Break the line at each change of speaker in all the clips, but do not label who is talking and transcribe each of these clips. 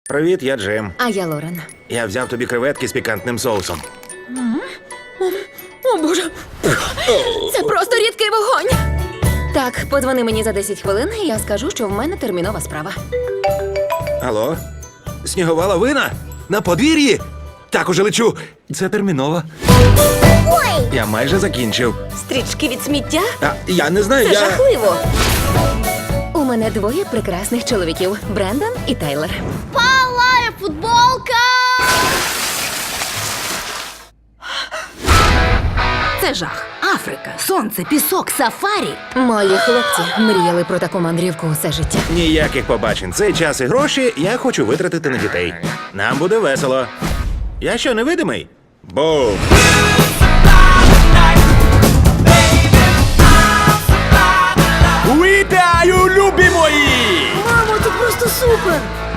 Привіт, я Джим.
А я Лорен.
Я взяв тобі креветки з пікантним соусом.
О, Боже! Це просто рідкий вогонь! Так, подзвони мені за 10 хвилин, і я скажу, що в мене термінова справа.
Алло? Снігова лавина? На подвір'ї? Так, уже лечу. Це терміново.
Ой!
Я майже закінчив.
Стрічки від сміття?
Я не знаю,
Це жахливо! У мене двоє прекрасних чоловіків – Брендан і Тайлер.
Палає футболка!
Це жах. Африка, сонце, пісок, сафарі.
Мої хлопці мріяли про таку мандрівку усе життя.
Ніяких побачень. Цей час і гроші я хочу витратити на дітей. Нам буде весело. Я що, невидимий? Бум! Вітаю, любі мої!
Мамо, ти просто супер!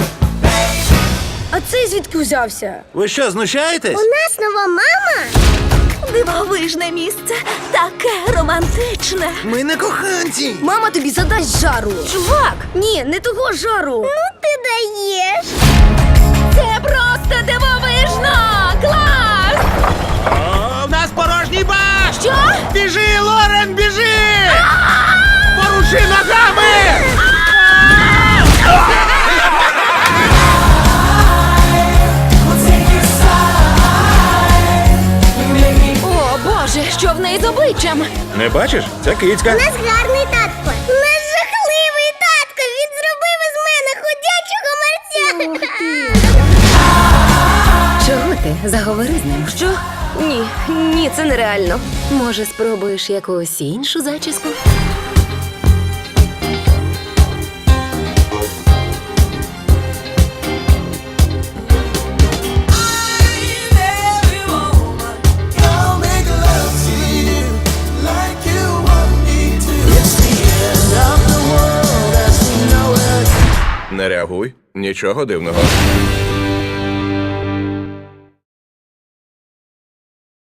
А цей звідки взявся?
Ви що, знущаєтесь?
У нас нова мама!
Дивовижне місце, таке романтичне.
Ми не коханці!
Мама тобі задасть жару.
Чувак,
Ні, не того жару.
Ну ти даєш!
це просто дивовижно! Клас!
О, в нас порожній бак!
Що?
Біжи, Лорен, біжи! Поруши ногами!
О, Боже, що в неї з обличчям?
Не бачиш? Це кицька.
У нас гарний татко! У нас жахливий татко! Він зробив із мене ходячого мерця!
Чого ти? Заговори з ним.
Що? Ні, це нереально.
Може, спробуєш якусь іншу зачіску?
Не реагуй, нічого дивного.